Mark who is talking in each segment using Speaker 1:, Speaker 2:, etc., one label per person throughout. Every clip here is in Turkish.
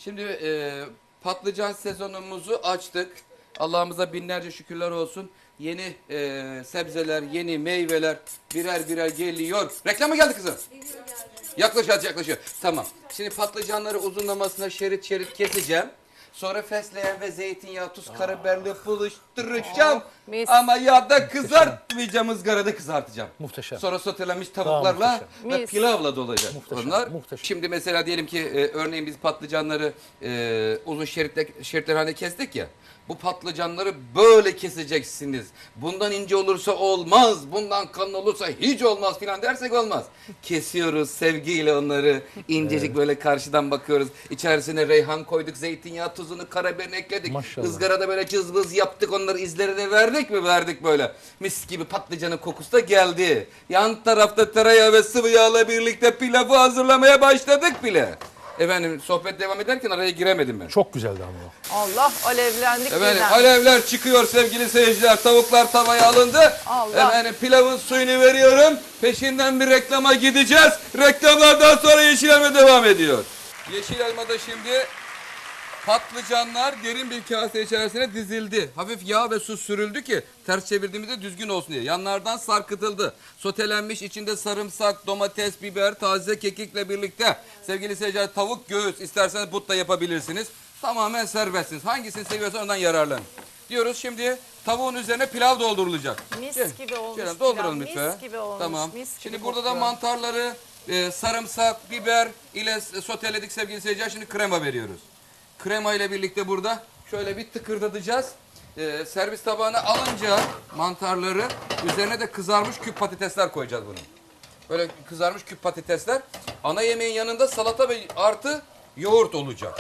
Speaker 1: Şimdi patlıcan sezonumuzu açtık. Allah'ımıza binlerce şükürler olsun. Yeni sebzeler, yeni meyveler birer birer geliyor. Reklama geldi kızım. Yaklaşıyor, yaklaşıyor. Tamam. Şimdi patlıcanları uzunlamasına şerit şerit keseceğim. Sonra fesleğen ve zeytinyağı, tuz, karabiberle buluşturacağım. Ama yağda kızartmayacağım, ızgarada kızartacağım.
Speaker 2: Muhteşem.
Speaker 1: Sonra sotelenmiş tavuklarla ve pilavla dolacak.
Speaker 2: Muhteşem,
Speaker 1: Onlar.
Speaker 2: muhteşem.
Speaker 1: Şimdi mesela diyelim ki örneğin biz patlıcanları uzun şeritler halinde kestik ya. Bu patlıcanları böyle keseceksiniz. Bundan ince olursa olmaz, bundan kalın olursa hiç olmaz filan dersek olmaz. Kesiyoruz sevgiyle onları. İncecik böyle karşıdan bakıyoruz. İçerisine reyhan koyduk, zeytinyağı, tuzunu, karabiberini ekledik.
Speaker 2: Maşallah.
Speaker 1: Izgarada böyle cızbız yaptık, onları izlerini verdik mi? Verdik böyle. Mis gibi patlıcanın kokusu da geldi. Yan tarafta tereyağı ve sıvı yağla birlikte pilavı hazırlamaya başladık bile. Efendim sohbet devam ederken araya giremedim ben.
Speaker 2: Çok güzeldi ama.
Speaker 3: Allah alevlendik
Speaker 1: Efendim
Speaker 3: birden.
Speaker 1: alevler çıkıyor sevgili seyirciler. Tavuklar tavaya alındı.
Speaker 3: Allah.
Speaker 1: Efendim pilavın suyunu veriyorum. Peşinden bir reklama gideceğiz. Reklamlardan sonra yeşil elma devam ediyor. Yeşil elmada şimdi patlıcanlar derin bir kase içerisine dizildi. Hafif yağ ve su sürüldü ki ters çevirdiğimizde düzgün olsun diye. Yanlardan sarkıtıldı. Sotelenmiş, içinde sarımsak, domates, biber, taze kekikle birlikte. Sevgili seyirciler, tavuk göğüs isterseniz but da yapabilirsiniz. Tamamen serbestsiniz. Hangisini seviyorsan ondan yararlanın. Diyoruz şimdi tavuğun üzerine pilav doldurulacak.
Speaker 3: Mis gibi olmuş
Speaker 1: Şöyle
Speaker 3: pilav,
Speaker 1: dolduralım
Speaker 3: mis
Speaker 1: lütfen.
Speaker 3: gibi olmuş,
Speaker 1: Tamam.
Speaker 3: mis gibi
Speaker 1: Şimdi burada da
Speaker 3: kokuyor.
Speaker 1: mantarları sarımsak, biber ile soteledik sevgili seyirciler. Şimdi krema veriyoruz. Krema ile birlikte burada şöyle bir tıkırdatacağız. Servis tabağına alınca mantarları üzerine de kızarmış küp patatesler koyacağız bunu. Böyle kızarmış küp patatesler. Ana yemeğin yanında salata ve artı yoğurt olacak.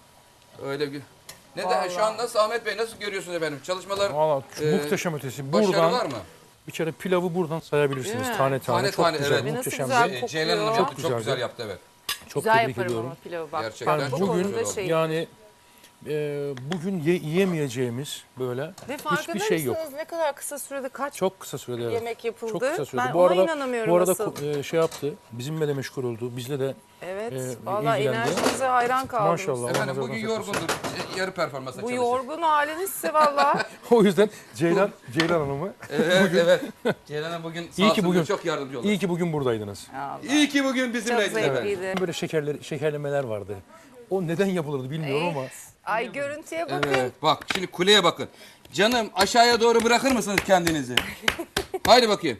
Speaker 1: Öyle bir... Ne de şu an nasıl Ahmet Bey nasıl görüyorsunuz efendim? Çalışmalar
Speaker 2: Valla muhteşem ötesi.
Speaker 1: başarı
Speaker 2: Buradan
Speaker 1: var mı?
Speaker 2: bir kere pilavı buradan sayabilirsiniz.
Speaker 3: Değil mi?
Speaker 2: Tane tane. Çok
Speaker 1: Tane,
Speaker 2: güzel,
Speaker 1: evet.
Speaker 2: muhteşem.
Speaker 3: Nasıl güzel
Speaker 2: bir-
Speaker 3: kokuyor.
Speaker 1: Ceylan Hanım yaptı. Çok
Speaker 2: güzeldi.
Speaker 1: güzel yaptı evet.
Speaker 2: Çok
Speaker 3: Güzel
Speaker 2: tebrik
Speaker 3: yaparım
Speaker 2: ediyorum.
Speaker 3: ama pilavı bak.
Speaker 1: Gerçekten
Speaker 3: bak, bu
Speaker 1: çok
Speaker 2: bugün
Speaker 1: güzel
Speaker 3: konuda
Speaker 1: oldu.
Speaker 3: şey.
Speaker 2: Yani bugün yiyemeyeceğimiz böyle
Speaker 3: Ve
Speaker 2: hiçbir
Speaker 3: farkında
Speaker 2: şey yok.
Speaker 3: mısınız ne kadar kısa sürede kaç
Speaker 2: Çok kısa sürede evet.
Speaker 3: yemek yapıldı?
Speaker 2: Çok kısa sürede.
Speaker 3: Ben
Speaker 2: bu
Speaker 3: ona
Speaker 2: arada
Speaker 3: inanamıyorum
Speaker 2: bu arada
Speaker 3: asıl.
Speaker 2: şey yaptı. Bizimle de meşgul oldu. Bizle de
Speaker 3: Evet,
Speaker 2: e,
Speaker 3: valla
Speaker 2: ilgilendi.
Speaker 3: enerjinize hayran kaldım.
Speaker 2: Maşallah.
Speaker 1: Efendim
Speaker 2: Allah
Speaker 1: bugün
Speaker 2: razı olsun.
Speaker 1: yorgundur. Yarı performansa
Speaker 3: Bu
Speaker 1: çalışır.
Speaker 3: yorgun halinizse valla.
Speaker 2: O yüzden Ceylan Hanım'ı
Speaker 1: Evet evet. Ceylan Hanım bugün
Speaker 2: İyi ki
Speaker 1: sağ
Speaker 2: bugün-
Speaker 1: olsun çok yardımcı oldu.
Speaker 2: iyi ki bugün buradaydınız.
Speaker 1: İyi ki bugün
Speaker 3: Çok
Speaker 1: bizimleydiniz efendim.
Speaker 3: zevkliydi.
Speaker 2: Böyle şekerlemeler vardı. O neden yapılırdı bilmiyorum ama
Speaker 3: Ay görüntüye bakın.
Speaker 1: Evet bak şimdi kuleye bakın. Canım aşağıya doğru bırakır mısınız kendinizi? Haydi bakayım.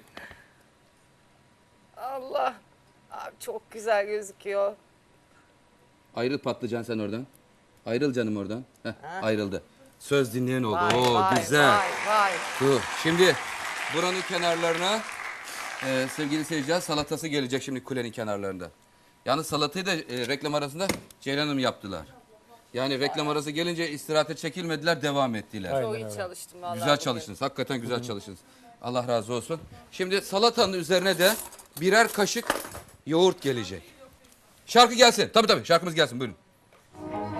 Speaker 3: Allah. Abi çok güzel gözüküyor.
Speaker 1: Ayrıl patlıcan sen oradan. Ayrıl canım oradan. Heh, ayrıldı. Söz dinleyen oldu.
Speaker 3: Vay,
Speaker 1: Oo
Speaker 3: vay,
Speaker 1: güzel.
Speaker 3: vay, vay.
Speaker 1: Dur. Şimdi buranın kenarlarına sevgili seyirciler salatası gelecek şimdi kulenin kenarlarında. Yalnız salatayı da reklam arasında Ceylan Hanım yaptılar. Yani reklam arası gelince istirahate çekilmediler, devam ettiler.
Speaker 2: Aynen
Speaker 3: Çok iyi
Speaker 2: öyle.
Speaker 3: çalıştım vallahi.
Speaker 1: Güzel
Speaker 3: bugün.
Speaker 1: çalıştınız. Hakikaten güzel çalıştınız. Allah razı olsun. Şimdi salatanın üzerine de birer kaşık yoğurt gelecek. Şarkı gelsin. Tabii şarkımız gelsin. Buyurun.